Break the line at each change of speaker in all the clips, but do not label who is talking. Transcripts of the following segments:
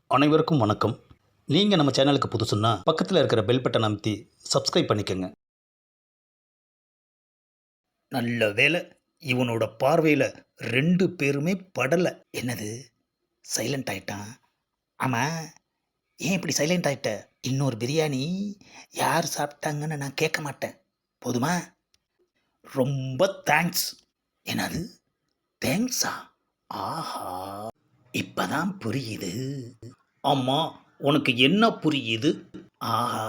அனைவருக்கும் வணக்கம். நீங்கள் நம்ம சேனலுக்கு புதுசுன்னா பக்கத்தில் இருக்கிற பெல் பட்டன் அமைத்தி சப்ஸ்கிரைப் பண்ணிக்கோங்க. நல்ல வேலை, இவனோட பார்வையில் ரெண்டு பேருமே படலை. என்னது, சைலண்ட் ஆயிட்டான்? ஆமாம், ஏன் இப்படி சைலண்ட் ஆயிட்ட? இன்னொரு பிரியாணி யார் சாப்பிட்டாங்கன்னு நான் கேட்க மாட்டேன், போதுமா? ரொம்ப தேங்க்ஸ். என்னது, தேங்க்ஸா? ஆஹா, இப்பதான் புரியுது. ஆமாம், உனக்கு என்ன புரியுது? ஆஹா,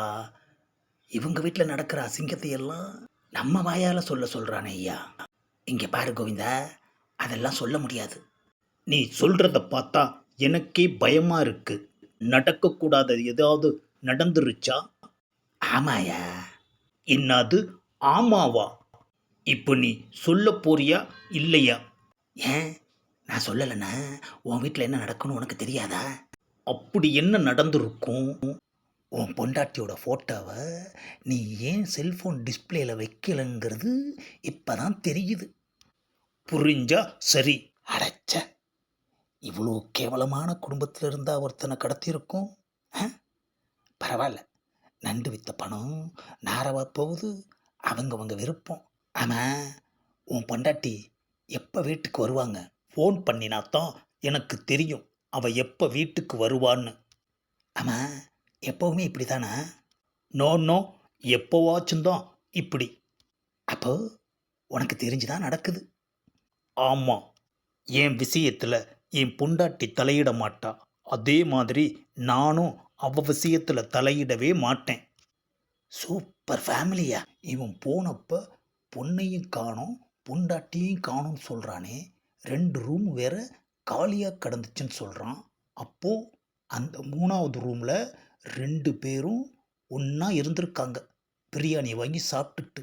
இவங்க வீட்டில் நடக்கிற அசிங்கத்தை எல்லாம் நம்ம வாயால் சொல்கிறானே ஐயா. இங்கே பாரு கோவிந்தா, அதெல்லாம் சொல்ல முடியாது. நீ சொல்கிறத பார்த்தா எனக்கே பயமாக இருக்கு. நடக்கக்கூடாத ஏதாவது நடந்துருச்சா? ஆமாயா. என்னது ஆமாவா? இப்போ நீ சொல்ல போறியா இல்லையா? ஏன், நான் சொல்லலைன்னா உன் வீட்டில் என்ன நடக்குன்னு உனக்கு தெரியாதா? அப்படி என்ன நடந்திருக்கும்? உன் பொண்டாட்டியோட ஃபோட்டோவை நீ ஏன் செல்ஃபோன் டிஸ்பிளேல வைக்கலைங்கிறது இப்போ தான் தெரியுது. புரிஞ்சா சரி. அடைச்ச, இவ்வளோ கேவலமான குடும்பத்தில் இருந்தால் ஒருத்தனை கடத்தியிருக்கோம். பரவாயில்ல, நண்டு வித்த பணம் நாரவா போகுது, அவங்க விருப்பம். ஆமாம், உன் பொண்டாட்டி எப்போ வீட்டுக்கு வருவாங்க? ஃபோன் பண்ணினாத்தான் எனக்கு தெரியும் அவள் எப்போ வீட்டுக்கு வருவான்னு. ஆமாம், எப்போவுமே இப்படி தானா? நோ நோ, எப்போவாச்சும் தான் இப்படி. அப்போ உனக்கு தெரிஞ்சுதான் நடக்குது. ஆமாம், என் விஷயத்தில் என் பொண்டாட்டி தலையிட மாட்டா. அதே மாதிரி நானும் அவ விஷயத்தில் தலையிடவே மாட்டேன். சூப்பர் ஃபேமிலியா. இவன் போனப்போ பொண்ணையும் காணோம் பொண்டாட்டியும் காணும்னு சொல்கிறானே, 2 ரூம் வேற காலியாக கிடந்துச்சுன்னு சொல்கிறான். அப்போது அந்த 3வது ரூமில் 2 பேரும் ஒன்றா இருந்திருக்காங்க, பிரியாணி வாங்கி சாப்பிட்டுட்டு.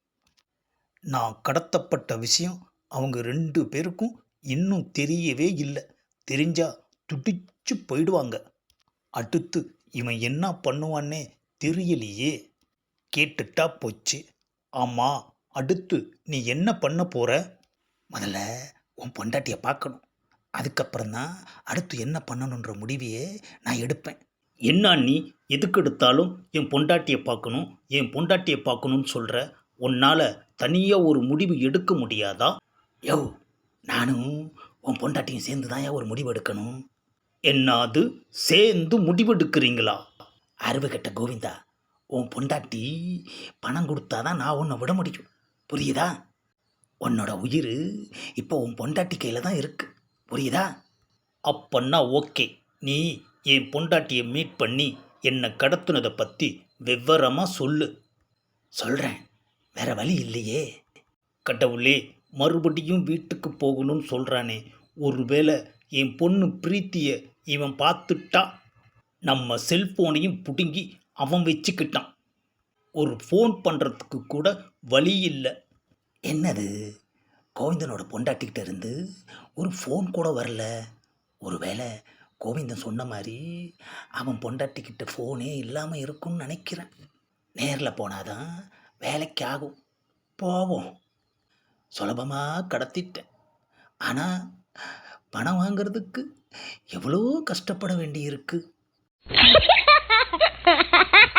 நான் கடத்தப்பட்ட விஷயம் அவங்க 2 பேருக்கும் இன்னும் தெரியவே இல்லை. தெரிஞ்சா துடிச்சு போயிடுவாங்க. அடுத்து இவன் என்ன பண்ணுவான்னே தெரியலையே. கேட்டுட்டா போச்சு. ஆமாம், அடுத்து நீ என்ன பண்ண போற? முதல்ல உன் பொண்டாட்டியை பார்க்கணும், அதுக்கப்புறம்தான் அடுத்து என்ன பண்ணணுன்ற முடிவையே நான் எடுப்பேன். என்ன நீ எதுக்கு எடுத்தாலும் என் பொண்டாட்டியை பார்க்கணும் என் பொண்டாட்டியை பார்க்கணும்னு சொல்கிற? உன்னால் தனியாக ஒரு முடிவு எடுக்க முடியாதா? யோ, நானும் உன் பொண்டாட்டியும் சேர்ந்து தான் ஒரு முடிவு எடுக்கணும். என்னது, சேர்ந்து முடிவெடுக்கிறீங்களா? அறிவு கெட்ட கோவிந்தா, உன் பொண்டாட்டி பணம் கொடுத்தாதான் நான் உன்னை விட முடியும், புரியுதா? உன்னோட உயிர் இப்போ உன் பொண்டாட்டி கையில் தான் இருக்கு, புரியுதா? அப்பன்னா ஓகே, நீ என் பொண்டாட்டியை மீட் பண்ணி என்னை கடத்துனதை பற்றி விவரமாக சொல்லு. சொல்கிறேன், வேற வழி இல்லையே. கடவுளே, மறுபடியும் வீட்டுக்கு போகணும்னு சொல்கிறானே, ஒருவேளை என் பொண்ணு பிரீத்தியை இவன் பார்த்துட்டா? நம்ம செல்ஃபோனையும் பிடுங்கி அவன் வச்சுக்கிட்டான். ஒரு ஃபோன் பண்ணுறதுக்கு கூட வழி இல்லை. என்னது, கோவிந்தனோட பொண்டாட்டிக்கிட்ட இருந்து ஒரு ஃபோன் கூட வரல? ஒருவேளை கோவிந்தன் சொன்ன மாதிரி அவன் பொண்டாட்டிக்கிட்ட ஃபோனே இல்லாமல் இருக்கும்னு நினைக்கிறேன். நேரில் போனாதான் வேலைக்கு ஆகும். போவோம். சுலபமாக கடத்திட்டேன், ஆனால் பணம் வாங்கிறதுக்கு எவ்வளோ கஷ்டப்பட வேண்டியிருக்கு.